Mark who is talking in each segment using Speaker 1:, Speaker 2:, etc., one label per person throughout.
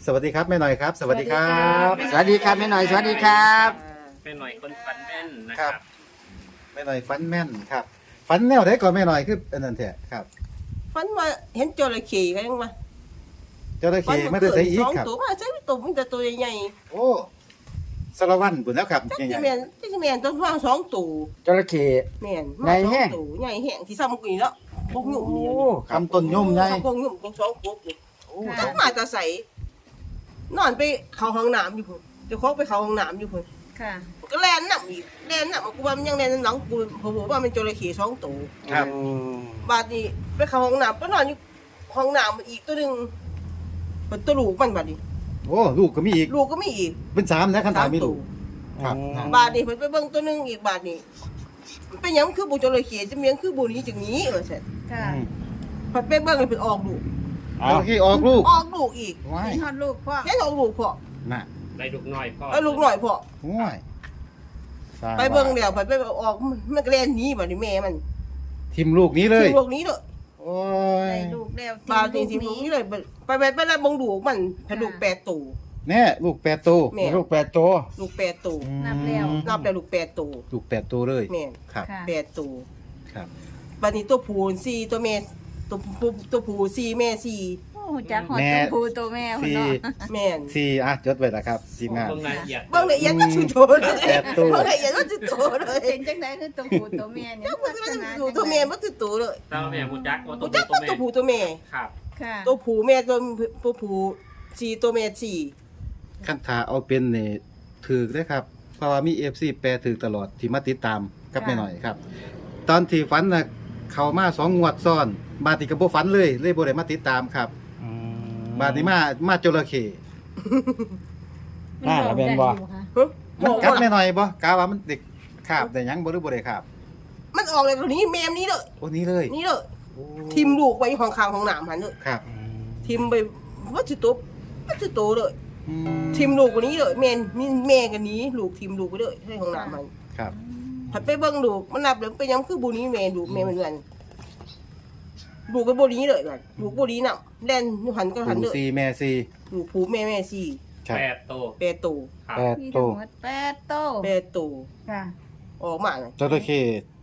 Speaker 1: วัสดีครับแม่หน่อยครับสวัสดีครับ
Speaker 2: สวัสดีครับแม่หน่อยสวัสดีครับ
Speaker 3: เป็นหน่อยคนฝันแม่นนะ
Speaker 1: ค
Speaker 3: ค
Speaker 1: รั
Speaker 3: รั
Speaker 1: บบ แม่หน่อยฟันแม่นครับฟันแนวไหนก่อนแม่หน่อยคืออันนั้นแท้ครับ
Speaker 4: ฝันว่าเห็นจระเข้กันยังวะ
Speaker 1: เจ้าตะเข้ไม่ได้ใส่อีก
Speaker 4: สอง
Speaker 1: ครับ
Speaker 4: ตัวมาใส่ตัวมันจะตัวใหญ่
Speaker 1: โอ้สารวัตรบุญแล้วครับ
Speaker 4: ๆจัก
Speaker 1: ให
Speaker 4: สิ
Speaker 1: ญ่
Speaker 4: แม่นจักสิแม่นต้องว่าสองตัว
Speaker 2: จระเข้
Speaker 4: แม่น
Speaker 2: ใหญ่แฮะ
Speaker 4: สองตัวใหญ่แห้งที่ซ้ำกูนี่แล้วพวกหยุ่มนี่
Speaker 1: คำต้นย่มไง
Speaker 4: พวกหยุ่มพวกสองพวกนี่ต้องมาจะใส่นอนไปเข้าห้องน้ำอยู่พุ่นเดี๋ยวเขาไปเข้าห้องน้ำอยู่พุ่น
Speaker 5: ค่ะ
Speaker 4: ก็แล่นน้ำอีกแล่นน้ำกูว่ามันยังแล่นหลังกูผมบอกว่ามันจระเข้สองตัว
Speaker 1: ครับ
Speaker 4: บาดนี้ไปเข้าห้องน้ำก็นอนอยู่ห้องน้ำอีกตัวหนึงเป็นตัวลูกมันบาดนี้
Speaker 1: โอ้ลูกก็มีอีก
Speaker 4: ลูกก็มีอีก
Speaker 1: เป็นสามนะคันถามมีลูก
Speaker 4: สาม
Speaker 1: ครับ
Speaker 4: บาทนี่เพิ่นไปเบิ่งตัวหนึงอีกบาทนี่มันเป็นหยังคือบ่จระเข้จะเมียงคือบ่นี้จังนี้ว่าซั่น
Speaker 5: ค่ะ
Speaker 4: เพิ่นไปเบิ่งให้เพิ่นออกลูก
Speaker 1: เจ้าตะเข้ออกลูก
Speaker 4: ออกลูกอีก
Speaker 1: ว้าย
Speaker 5: มีฮอดลูกพ่อ
Speaker 4: แค่ออกลูกพอ
Speaker 1: น่ะ
Speaker 3: ได้ลูกน้อยพ่อ
Speaker 4: เอาลูกหน่อยพอ
Speaker 1: ว้ายสร้า
Speaker 4: ไปเบิ่งแล้วเพิ่นไปออกมันก็แล่นหนีบัดนี้แม่มัน
Speaker 1: ทิมลูกนี้เลย
Speaker 4: คือลูกนี้เด้อ
Speaker 1: โอ้ย
Speaker 5: ได้ลูกแล้ว
Speaker 4: บาทนี่สิลูกนี้เลยไปแล้วเบิ่งลูกมันเพนลูก8ตัว
Speaker 1: แน่ลูกแปดตัว
Speaker 4: แม่
Speaker 2: ลูก8ตัว
Speaker 4: ลูก8ตัว
Speaker 5: นับแล้ว
Speaker 4: นับแล้วลูก8ตัว
Speaker 1: ลูกแปดตัวเลย
Speaker 4: แม่น
Speaker 1: ครับ
Speaker 5: ค่ะ
Speaker 4: 8ตัว
Speaker 1: ครับ
Speaker 4: บาดนี้ตัวผู้4ตัวแม่ตัวผู้4แม่4
Speaker 5: โอ้จักฮอดตัวผู้ตัวแม่พุ่น
Speaker 1: สี่
Speaker 5: เนาะ
Speaker 4: แม่น
Speaker 1: สี่อ่ะจดไว้แล้วครับทีมงาน
Speaker 3: เบิ่งรายละเอียด
Speaker 4: เบิ่งละเอียดว่าสิโตเลย
Speaker 1: แปดตัว
Speaker 4: เบิ่งละเอียดว่าสิโตเลย
Speaker 5: เป็นจังได๋คือตัวผู้ตัวแม่เนี่ย
Speaker 4: เจ้ามัน
Speaker 5: ลักษณะ
Speaker 4: ตัวตัวแม่มันคือตัวเลย
Speaker 3: เจ้าแม่ผู้จักว่าตั
Speaker 4: ตัว ว
Speaker 3: ผู้
Speaker 4: จัก
Speaker 3: ตัว
Speaker 4: มัน
Speaker 3: แม่
Speaker 4: ตัวผู้ตัวแม่
Speaker 3: ครับ
Speaker 5: ค่ะ
Speaker 4: ตัวผู้แม่ตัวผู้สี่ตัวแม่สี่
Speaker 1: คันถาเอาเป็นนี่ถือได้ครับ เพราะว่ามี FC แปรถือตลอดที่มาติดตามกับแม่หน่อยครับ ตอนที่ฝันน่ะเข้ามา2งวดซ้อน บาดนี้ก็บ่ฝันเลยบ่ได้มาติดตามครับ บาดนี้มาจระเข้
Speaker 2: น่าละแม่นบ่
Speaker 4: ฮะ
Speaker 1: มันกัดแม่หน่อยบ่กะว่ามันเด็กคาบได้หยังบ่หรือบ่ได้คาบ
Speaker 4: มันออกเลยตัวนี้แม่มนี้เลย
Speaker 1: โอ้นี้เลย
Speaker 4: นี่เลย
Speaker 1: โอ้
Speaker 4: ทิมลูกไว้ห้องข้างห้องน้ำหันเลย
Speaker 1: ครับ
Speaker 4: ทิมไปว่าสิโตเลย
Speaker 1: อื
Speaker 4: ทิมลูกกว่านี้เลยแม่กันนี้ลูกทิมลูกไปเลยให้ห้องน้ำมัน
Speaker 1: ครับ
Speaker 4: ผัดไปเบิ่งลูกมันนับเลยไปยังคือบุนี้แม่ลูกแม่มันเงินลูกก็บุนี้เลยกันลูกบุนี้น่ะแล่นหันก็หัน
Speaker 1: ปู่
Speaker 4: เลย
Speaker 1: ซีแม่ซี
Speaker 4: ลูกผู้แม่สี่
Speaker 1: ครับ
Speaker 3: แปดโต
Speaker 4: 8ตัว
Speaker 3: ครับ
Speaker 1: แปด
Speaker 5: มี
Speaker 1: ตั
Speaker 5: ทั้ง
Speaker 1: ว
Speaker 5: หมด8ตัว
Speaker 4: 8ตัว
Speaker 5: ค่ะ
Speaker 4: ออกมาเลย
Speaker 1: จระเข้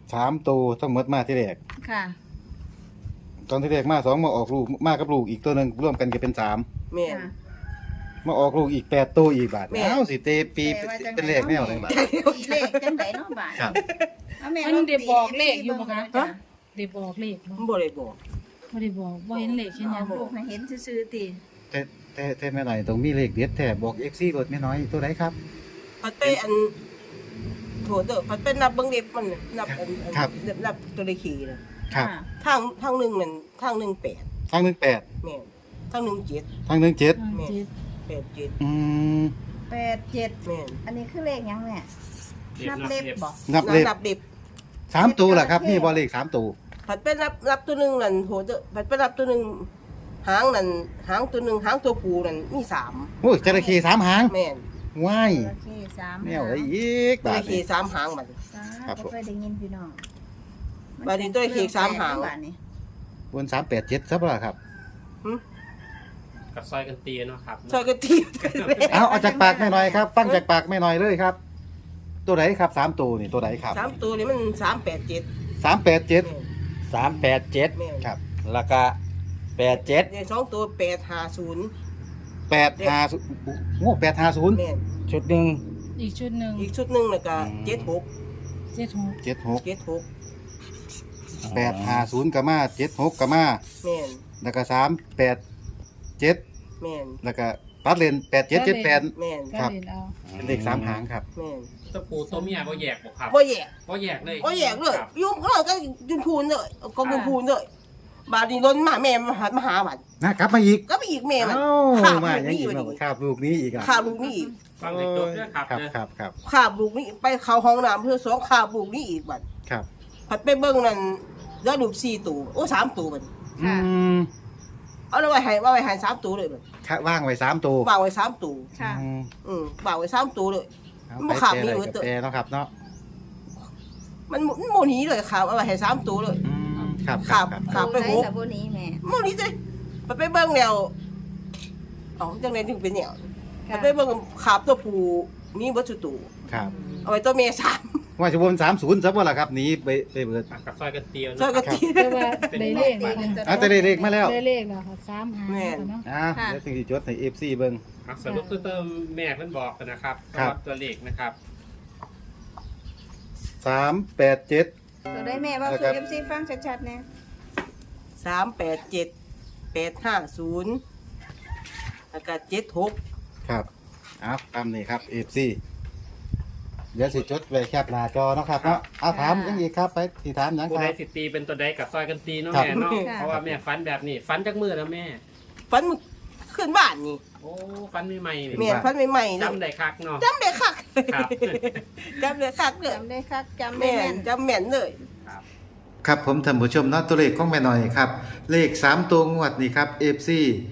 Speaker 1: 3ตัวทั้งหมดมาที่แรก
Speaker 5: ค่ะ
Speaker 1: ตอนที่แรกมา2มาออกลูกมากับลูกอีกตัวหนึงรวมกันก็เป็น3
Speaker 4: แม่
Speaker 5: ค่ะ
Speaker 1: มาออกลูกอีก8ตัวอีกบาท
Speaker 4: แม่
Speaker 1: อ้าวสิเตปี
Speaker 5: แปลว่าจัง
Speaker 1: เป็นเลขแนวไหนบาท
Speaker 5: เลขจังไดเนาะบาด
Speaker 1: ครับ
Speaker 5: เอาแม่
Speaker 6: มันได้บอกเลขอยู่บ่คะ
Speaker 4: ฮะ
Speaker 6: ได้บอกเลขบ่
Speaker 4: มันบ่ได้บอก
Speaker 6: บ่ได้บอกบ่เห็นเลขเห็นหยัง
Speaker 5: ลูกน่ะเห็นซื่อๆติ
Speaker 1: แต่แม่หน่อยต้องมีเลขเด็ดแท้บอก FC รถแม่น้อยตัวไหนครับ
Speaker 4: พัดไปอันโถเด้อพัดไปนับเบิ่งเด็บมันน่ะนับอัน
Speaker 1: ครับ
Speaker 4: นับตัวเลขขี่น่ะ
Speaker 1: ครับ
Speaker 5: ค่ะ
Speaker 4: ทางหนึงนั่นทางหนึง8
Speaker 1: ทาง18
Speaker 4: แม่นทางหนึง7
Speaker 1: ทาง17
Speaker 6: อ่าเจ็ด
Speaker 4: 8 7
Speaker 1: อืม
Speaker 5: 87
Speaker 4: แม่น
Speaker 5: อันนี้คือเลขหยังแม่นับเล็บบ่
Speaker 1: นับเลข
Speaker 4: นับเด็บ
Speaker 1: 3ตัวล่ะครับมีบ่เลข3ตัว
Speaker 4: พัดไปนับตัวหนึงนั่นโถเด้อพัดไปนับตัวหนึงหางนั่นหางตัวหนึงหางตัวผู้นั่นมี3
Speaker 1: โอ้ยจระเข้3หาง
Speaker 4: แม่น
Speaker 1: ว้าย
Speaker 5: โอเค3
Speaker 1: แนวอะไรอีก
Speaker 4: ตัว
Speaker 1: บา
Speaker 4: เล
Speaker 1: ท
Speaker 4: ขขี่
Speaker 1: นี่
Speaker 4: 3หางบัด
Speaker 1: ครับผม
Speaker 5: บ่เคยได้ยินพี่น้อง
Speaker 4: บาดนี้ตัวเลขขี่สามหาง
Speaker 5: บาดนี้
Speaker 1: บน387ซับล่ะครับ
Speaker 3: กับซอยกันเตียเนาะครับ
Speaker 4: ซอยกะทิกันเลย
Speaker 1: เอาจากปากแม่น้อยครับฟังจากปากแม่น้อยเลยครับ ตัวไหนครับ3ตัวนี่ตัวไหนครับ
Speaker 4: 3ตัวนี่มัน387
Speaker 1: 387
Speaker 2: 387
Speaker 4: แม่น
Speaker 1: ครับ
Speaker 2: แล้วก็87
Speaker 4: เนี่ย2ตัว850
Speaker 1: 850โอ้850
Speaker 4: แม่น
Speaker 2: ชุดหนึง
Speaker 6: อีกชุดหนึง
Speaker 4: อีกชุดหนึงน่ะก็
Speaker 6: 76
Speaker 1: 76
Speaker 4: 76
Speaker 1: 850ก็มา76ก็มา
Speaker 4: แม่น
Speaker 1: แล้วก็387
Speaker 4: แม่น
Speaker 1: แล้วก็ตัดเลน8778
Speaker 4: แม่น
Speaker 1: ครั
Speaker 6: ก็
Speaker 1: บ
Speaker 6: เล่นเอา
Speaker 1: เป็นเลข3หางครับ
Speaker 4: แม่น
Speaker 3: ตัวผู้ตัวเมียบ่แยกบ่ครับ
Speaker 4: บ่แยก
Speaker 3: บ่แยกเลย
Speaker 4: บ่แยกเลย
Speaker 3: ครับ
Speaker 4: ยุ่งเขาก็ยุนพูนเลยก็ยุนพูนเลยบาดนี้ล้นมาแม่มาหาบัด
Speaker 1: นะกลับมาอีก
Speaker 4: ก็ไปอีกแม่มัน
Speaker 1: เอ้า
Speaker 4: ข้าม
Speaker 1: มา
Speaker 4: ลูก
Speaker 1: ยัง
Speaker 4: นี่
Speaker 1: อีก
Speaker 4: บัด
Speaker 1: เนาะ
Speaker 4: นี้
Speaker 1: ครับลูกนี้อีกอ่ะ
Speaker 4: ข้ามลูกนี่อีก
Speaker 3: ฟังเด็กจบด้วยครับ
Speaker 1: ครับ
Speaker 3: เด้อ
Speaker 1: ครับครับ
Speaker 4: ข้ามลูกนี่ไปเข้าห้องน้ำเพื่อสองข้ามลูกนี่อีกบัด
Speaker 1: ครับ
Speaker 4: ผัดไปเบิ่งนั่นแล้วลูก4ตัวโอ้3ตัวบัด
Speaker 1: อืม
Speaker 4: เอาไว้ให้3ตัวเลยบัด
Speaker 1: ว่างไว้3ตัว
Speaker 4: วางไว้3ตัว
Speaker 5: ค่ะ
Speaker 4: วางไว้3ตัวเลย
Speaker 1: เอา
Speaker 4: มัน
Speaker 1: ไป
Speaker 4: ขาด
Speaker 1: แปร
Speaker 4: มี
Speaker 1: อะไร
Speaker 4: ไว้
Speaker 1: กับ
Speaker 4: เถอะ
Speaker 1: แปรเนาะครับเนาะ
Speaker 4: มันโมนี้เลยครับเอาไว้ให้3ตัวเลย
Speaker 1: ครับ
Speaker 4: ครับ
Speaker 1: ครับ
Speaker 4: ครับ ไป
Speaker 5: ไป
Speaker 4: หก
Speaker 5: กับบ่นี้แม่
Speaker 4: โมนี้เลยไปเบิ่งแล้วเอาจังได๋ถึงเป็นแนวมันไปเบิ่งขาบตัวผู้มีบ่สุตู
Speaker 1: ครับ
Speaker 4: เอาไว้ตัวแม่สาม
Speaker 1: ว่าจะวน30ซะบ่ล่ะครับหนีไปเบิด
Speaker 3: กับซอยกันเตียว
Speaker 4: ซอยก็
Speaker 3: เนาะ
Speaker 4: ตี
Speaker 6: แต่ว่าได้เลขแล้วค่ะ
Speaker 1: อ่ะจะได้เลขมาแล้ว
Speaker 6: ได้เลขแล้วค่ะ3หาง
Speaker 4: แม่น
Speaker 6: เนาะ
Speaker 1: อ่ะเดี๋ยวถึงสิจดให้ FC เบิ่ง
Speaker 3: อ่ะสรุปคือเติมแม่เพิ่นบอกกันนะครับ
Speaker 1: ครับ
Speaker 3: สำหรับตัวเลขนะครับ
Speaker 1: 387
Speaker 5: ตัวได้แม่เว่า
Speaker 1: นะค
Speaker 5: สู่
Speaker 1: รับ
Speaker 5: FC ฟังชัดๆแน่
Speaker 4: 387 850แล้วก็76
Speaker 1: ครับเอาตามนี้ครับ FC เดี๋ยวสิจดไว้แคปหน้าจอเนาะครับเนาะเอาถามยังอีกครับไปสิถามหยัง
Speaker 3: ผู้
Speaker 1: ค
Speaker 3: ใด
Speaker 1: รับ
Speaker 3: สิตีเป็นตัวใดกับซอยกันตีเนาะ
Speaker 1: ครับ
Speaker 3: แม่เนาะเพราะว่าแม่ฟันแบบนี้ฟันจากมือแล้วแม่
Speaker 4: ฝันมันขึ้นบ้านนี่
Speaker 3: โอ้ฟันใหม่ๆนี่
Speaker 4: แม่นฝันใหม่ๆเลย
Speaker 3: จำได้คักเนาะ
Speaker 4: จำได้คัก
Speaker 3: ครับ
Speaker 4: จำได้คักเลย
Speaker 5: จำได้คักจำได้
Speaker 4: แม่
Speaker 5: แม่
Speaker 4: น
Speaker 5: น
Speaker 4: จำแม่นเลย
Speaker 1: ครับผมท่านผู้ชมเนาะตัวเลขของแม่หน่อยครับเลข3ตัวงวดนี่ครับ FC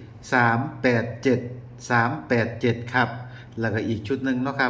Speaker 1: 387 387ครับแล้วก็อีกชุดหนึงเนาะครับ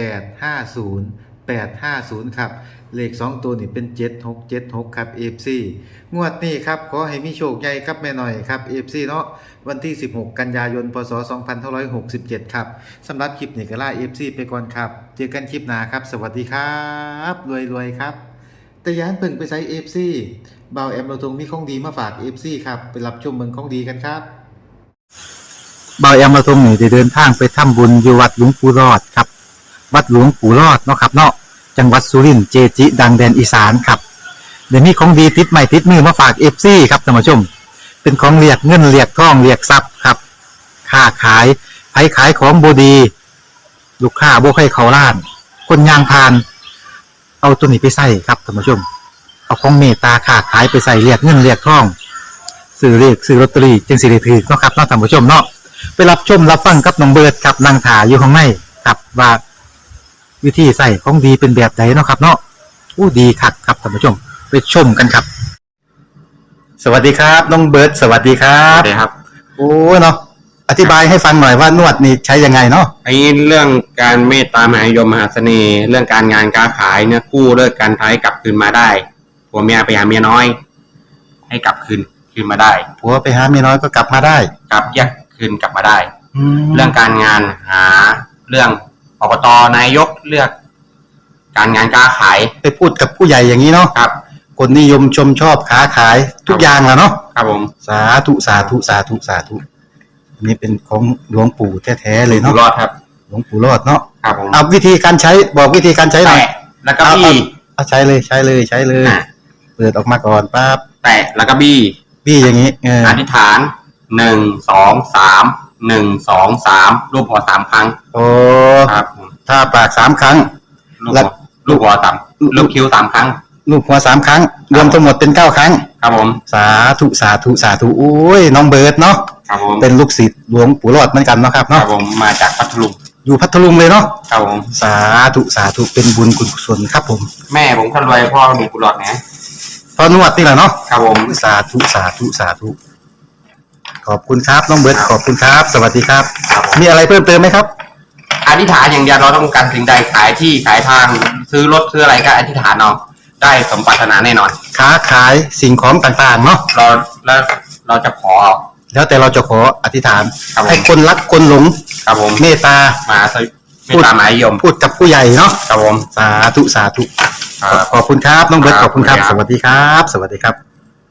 Speaker 1: 850 850ครับเลข2ตัวนี่เป็น7676ครับ FC งวดนี้ครับขอให้มีโชคใหญ่ครับแม่หน่อยครับ FC เนาะวันที่16กันยายนพศ2567ครับสำหรับคลิปนี้ก็ลา FC ไปก่อนครับเจอกันคลิปหน้าครับสวัสดีครับรวยๆครับแต่อยานเพิ่งไปใช้ FC บ่าวแอมเราทงมีของดีมาฝาก FC ครับไปรับชมเมืองของดีกันครับบ่าวแอมเราทงนี่ได้เดินทางไปทำบุญอยู่วัดหลวงปู่รอดครับวัดหลวงปู่รอดเนาะครับเนาะจังหวัดสุรินทร์เจจิ ดังแดนอีสานครับเดี๋ยวมีของดีติดใหม่ติดมือมาฝาก FC ครับท่านผู้ชมเป็นของเรียกเงินเรียกทองเรียกทรัพย์ครับค้าขายไผขายของบดีลูกค้าบ่ใครเขาล้าน คนยางพาน เอาตัวนี้ไปใส่ครับท่านผู้ชม เอาของเมตตาค้าขายไปใส่เรียกเงินเรียกทองซื้อเลขซื้อลอตเตอรี่จึงสิได้ถือเนาะครับเนาะท่านผู้ชมเนาะไปรับชมรับฟังกับน้องเบิร์ดครับนางถาอยู่ข้างในครับว่าวิธีใส่ของดีเป็นแบบไหนเนาะครับ เนาะอู้ดีคักครับท่านผู้ชมไปชมกันครับ สวัสดีครับน้องเบิร์ดสวัสดีครั
Speaker 7: ครับ บครับ
Speaker 1: โอ้เนาะอธิบายให้ฟังหน่อยว่านวดนี่ใช้ยังไงเนาะ
Speaker 7: ไอ้เรื่องการเมตตามหานิยมมหาเสน่ห์ เรื่องการงานการขายเนี่ยกู้เลิกการท้ายกลับคืนมาได้ผัวเมียไปหาเมียน้อย ให้กลับคืนมาได้
Speaker 1: ผัวไปหาเมียน้อยก็กลับมาได้
Speaker 7: กลับแยกคืนกลับมาได้
Speaker 1: แล้
Speaker 7: เรื่
Speaker 1: ว
Speaker 7: องการงานหาเรื่องอบตนายกเลือก การงานการขาย
Speaker 1: ไปพูดกับผู้ใหญ่อย่างนี้เนาะ
Speaker 7: ครับ
Speaker 1: คนนิยมชมชอบค้าขายทุกอย่างแหละเนาะ
Speaker 7: ครับผม
Speaker 1: สาธุสาธุสาธุสาธุอันนี้เป็นของหลวงปู่แท้ๆเลย
Speaker 7: อยู่
Speaker 1: เนาะ
Speaker 7: รอดครับ
Speaker 1: หลวงปู่รอดเนาะ
Speaker 7: ครับผม
Speaker 1: เอาวิธีการใช้บอกวิธีการใช้หน่อย
Speaker 7: แตะแล้วก็บี้
Speaker 1: เอาใช้เลยใช้เลยใช้เลย
Speaker 7: อ่ะ
Speaker 1: เปิดออกมาก่อนปั๊บ
Speaker 7: แตะแล้วก็บี้
Speaker 1: พี่อย่างนี้เออ
Speaker 7: อธิษฐาน1 2 3 1 2 3รูปหัว3ครั้ง
Speaker 1: โอ้
Speaker 7: ครับผม
Speaker 1: ถ้าปาก3 ครั้ง
Speaker 7: ลูกหัวลูกหัวสามลูกคิ้ว3ครั้ง
Speaker 1: ลูกหัว3 ครั้ง รวมทั้งหมดเป็น9 ครั้ง
Speaker 7: ครับผม
Speaker 1: สาธุสาธุสาธุโอ้ยน้องเบิร์ดเนาะ
Speaker 7: ครับผม
Speaker 1: เป็นลูกศิษย์หลวงปู่รอดเหมือนกันเนาะครับ
Speaker 7: ครั
Speaker 1: เนาะ
Speaker 7: บผมมาจากพัทลุง
Speaker 1: อยู่พัทลุงเลยเนาะ
Speaker 7: ครับผม
Speaker 1: สาธุสาธุเป็นบุญกุศลครับผม
Speaker 7: แม่ผมคนรวยพ่อมีกุหลาบนะ
Speaker 1: พอนวดนี่แหละเนาะ
Speaker 7: ครับผม
Speaker 1: สาธุสาธุสาธุขอบคุณครับน้องเบิร์ดขอบคุณครับ สวัสดีครับ
Speaker 7: ครับผม
Speaker 1: มีอะไรเพิ่มเติมไหมครับ
Speaker 7: อธิษฐานอย่างเดียวเราต้องการสิ่งใดขายที่ขายทางซื้อรถซื้ออะไรก็อธิษฐานเอาได้สมปรารถนาแน่นอน
Speaker 1: ค้าขายสิ่งของต่างๆเนาะ
Speaker 7: เราจะขอ
Speaker 1: แล้วแต่เราจะขออธิษฐาน
Speaker 7: ครับผม
Speaker 1: ให้คนรักคนหลง
Speaker 7: ครับผม
Speaker 1: เมตตา
Speaker 7: มาไม่ตามหมายยม
Speaker 1: พูดกับผู้ใหญ่เนาะ
Speaker 7: ครับผม
Speaker 1: สาธุสาธุ
Speaker 7: ครับ
Speaker 1: ขอบคุณครับน้องเบิร์ต
Speaker 7: ค
Speaker 1: ข
Speaker 7: รับ
Speaker 1: อบคุณครับ
Speaker 7: ขอบ
Speaker 1: ส
Speaker 7: คุณครับ
Speaker 1: วัสดีครับ สวัสดีครับ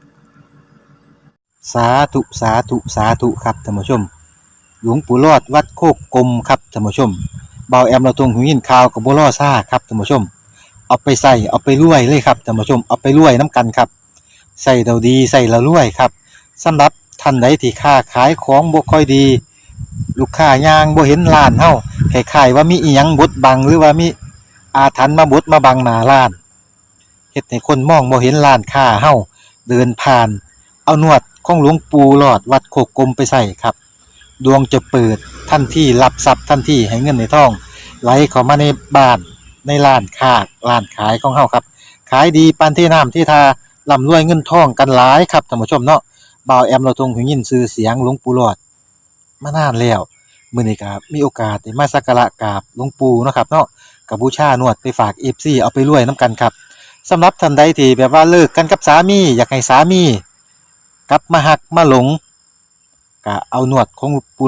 Speaker 1: สาธุสาธุสาธุครับท่านผู้ชม หลวงปู่รอดวัดโคกกลมครับท่านผู้ชมเบาแอมเราตรงหูยินข่าวกับบัวล่อซ่าครับท่านผู้ชม เอาไปใส่เอาไปรวยเลยครับท่านผู้ชมเอาไปรวยน้ำกันครับใส่เราดีใส่เรารวยครับสำหรับท่านใดที่ค้าขายของบ่ค่อยดี ลูกค้ายางบ่เห็นร้านเฮาคล้ายๆว่ามีอีหยังบดบังหรือว่ามีอาถรรพ์มาบดมาบังหน้าร้านเฮ็ดให้คนมองบ่เห็นร้านค้าเฮาเดินผ่าน เอานวดของหลวงปู่หลอดวัดโคกกลมไปใส่ครับดวงจะเปิดทันทีรับทรัพย์ทันทีให้เงินในท้องไหลเข้ามาในบ้านในร้านค้าร้านขายของเฮาครับขายดีปานที่น้ำที่ทาร่ำรวยเงินทองกันหลายครับท่านผู้ชมเนาะบ่าวแอมเราทรงหูยินชื่อเสียงหลวงปู่หลอดมานานแล้วมื้อนี้ครับมีโอกาสได้มาสักการะกราบหลวงปู่เนาะครับเนาะก็บูชานวดไปฝาก FC เอาไปรวยนํกันครับสำหรับท่านใดที่แบบว่าเลิกกันกับสามีอยากให้สามีกลับมาหักมาหลงก็เอานวดของปู่หลอดไป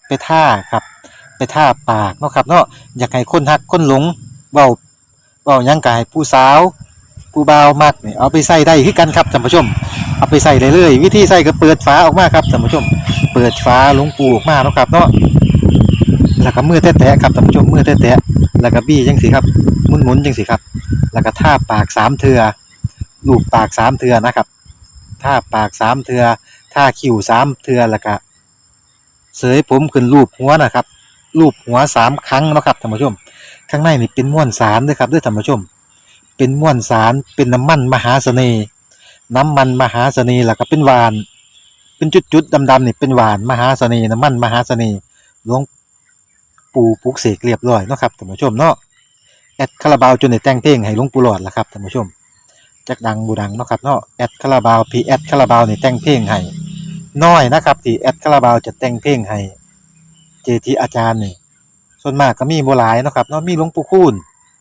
Speaker 1: ไปท่าครับ ไปท่าปากเนาะครับเนาะอยากให้คนฮักคนหลงเว้าหยังกายผู้สาวผู้บ่าวมักนี่เอาไปใส่ได้คือกันครับท่านผู้ชมเอาไปใส่เลยเลยวิธีใส่ก็เปิดฝาออกมาครับท่านผู้ชม เปิดฝาหลวงปูออกมาเนาะครับเนาะแล้วก็มือแตะๆครับท่านผู้ชมมือแตะๆแล้วก็บี้จังสิครับหมุนๆจังสิครับแล้วก็ท่าปาก3เทื่อลูบปาก3เทื่อนะครับท่าปาก3เทื่อท่าคิ้ว3เทื่อแล้วก็เสยผมขึ้นรูปหัวนะครับรูปหัว3ครั้งเนาะครับท่านผู้ชมข้างในนี่เป็นม้วนสารเด้อครับเด้อท่านผู้ชมเป็นม้วนสารเป็นน้ำมันมหาเสน่ห์น้ำมันมหาเสน่ห์แล้วก็เป็นหวานเป็นจุดๆดำๆนี่เป็นหวานมหาเสน่ห์น้ำมันมหาเสน่ห์หลวงปู่ปลุกเสกเรียบร้อยเนาะครับท่านผู้ชมเนาะแอดคาราบาวจนได้แต่งเพลงให้หลวงปู่หลอดล่ะครับท่านผู้ชมจักดังบ่ดังเนาะครับเนาะแอดคาราบาวพี่แอดคาราบาวนี่แต่งเพลงให้น้อยนะครับที่แอดคาราบาวจะแต่งเพลงให้เจทีอาจารย์นี่ส่วนมากก็มีบ่หลายเนาะครับเนาะมีหลวงปู่คูณ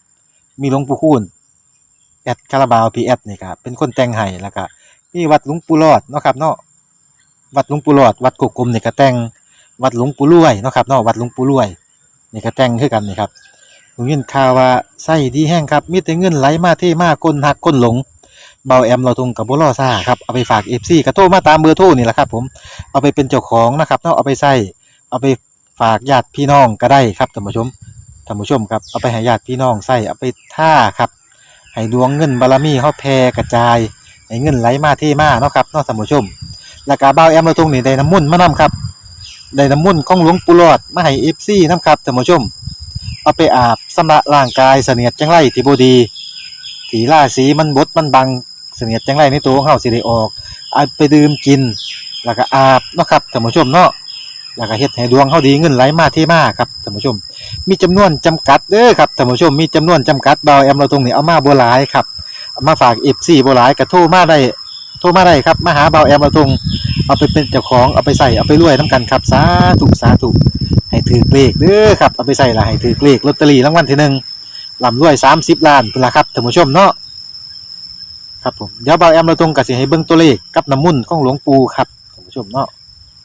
Speaker 1: แอดคาราบาวพี่แอดนี่ครับเป็นคนแต่งให้แล้วก็มีวัดหลวงปู่หลอดเนาะครับเนาะวัดหลวงปู่หลอดวัดกกกลมนี่ก็แต่งวัดหลวงปู่รวยเนาะครับเนาะวัดหลวงปู่รวยนี่ก็แต่งคือกันนี่ครับผมยินข่าวว่าไส้ดีแห้งครับมีแต่เงินไหลมาเทมาคนหักคนหลงเบาแอมเราทงกับบ่รอซ่าครับเอาไปฝาก FC ก็โทรมาตามเบอร์โทรนี่แหละครับผมเอาไปเป็นเจ้าของนะครับเนาะเอาไปใส่เอาไปฝากญาติพี่น้องก็ได้ครับท่านผู้ชมครับเอาไปให้ญาติพี่น้องใส่เอาไปท่าครับให้ดวงเงินบารมีเฮาแผ่กระจายให้เงินไหลมาเทมาเนาะครับเนาะท่านผู้ชมแล้วก็เบาแอมเราทงนี่ได้น้ำมนต์มานํครับได้น้ำมนต์ของหลวงปู่หลอดมาให้ FC นํครับท่านผู้ชมเอาไปอาบชำระร่างกายเสนียดจังไรที่บ่ดีที่ราศีมันบดมันบังเสนียดจังไรในตัวของเฮาสิได้ออกเอาไปดื่มกินแล้วก็อาบเนาะครับท่านผู้ชมเนาะแล้วก็เฮ็ดให้ดวงเฮาดีเงินไหลมาเทมาครับท่านผู้ชมมีจำนวนจำกัดเด้อครับท่านผู้ชมมีจำนวนจำกัดเบาแอมเราตรงนี้เอามาบ่หลายครับเอามาฝาก FC บ่หลายก็โทรมาได้ครับมาหาเบาแอมเราตรงเอาไปเป็นเจ้าของเอาไปใส่เอาไปรวยนํกันครับสาธุให้ถือเลขเด้อครับเอาไปใส่ละให้ถือเลขลอตเตอรี่รางวัลที่1ร่ำรวย30ล้านพุ่นล่ะครับท่านผู้ชมเนาะครับผมเดี๋ยวเบาแอมเราตรงก็สิให้เบิ่งตัวเลขกับน้ำมนต์ของหลวงปู่ครับท่านผู้ชมเนาะ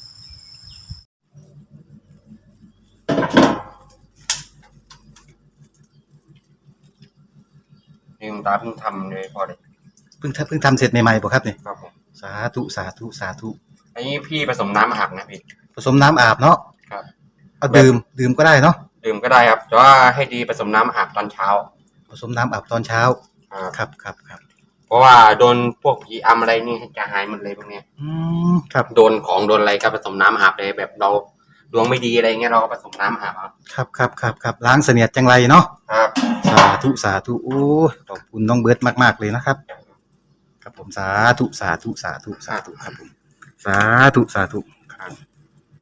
Speaker 7: นี่คุณตาเพิ่งทำเลยพอเลย
Speaker 1: เพิ่งทำเสร็จใหม่ๆบ่ครับนี่
Speaker 7: ครับผม
Speaker 1: สาธุ
Speaker 7: อันนี้พี่ผสมน้ำอาบนะพี่
Speaker 1: ผสมน้ำอาบเนาะ
Speaker 7: ครับ
Speaker 1: เอาดื่มก็ได้เนาะ
Speaker 7: ดื่มก็ได้ครับแต่ว่าให้ดีผสมน้ำอาบตอนเช้า
Speaker 1: ผสมน้ำอาบตอนเช้า
Speaker 7: ครับ
Speaker 1: ครับ
Speaker 7: เพราะว่าโดนพวกผีอำอะไรนี่จะหายหมดเลยพวกเนี้ย
Speaker 1: ครับ
Speaker 7: โดนของโดนอะไรก็ผสมน้ำอาบเลยแบบเราดวงไม่ดีอะไรเงี้ยเราก็ผสมน้ำอาบ
Speaker 1: ครับล้างเสนียดจังไรเนาะ
Speaker 7: ครับ
Speaker 1: สาธุโอ้ยขอบคุณน้องเบิร์ดมากๆเลยนะครับครับผมสาธุครับผมสาธุ
Speaker 7: ครับ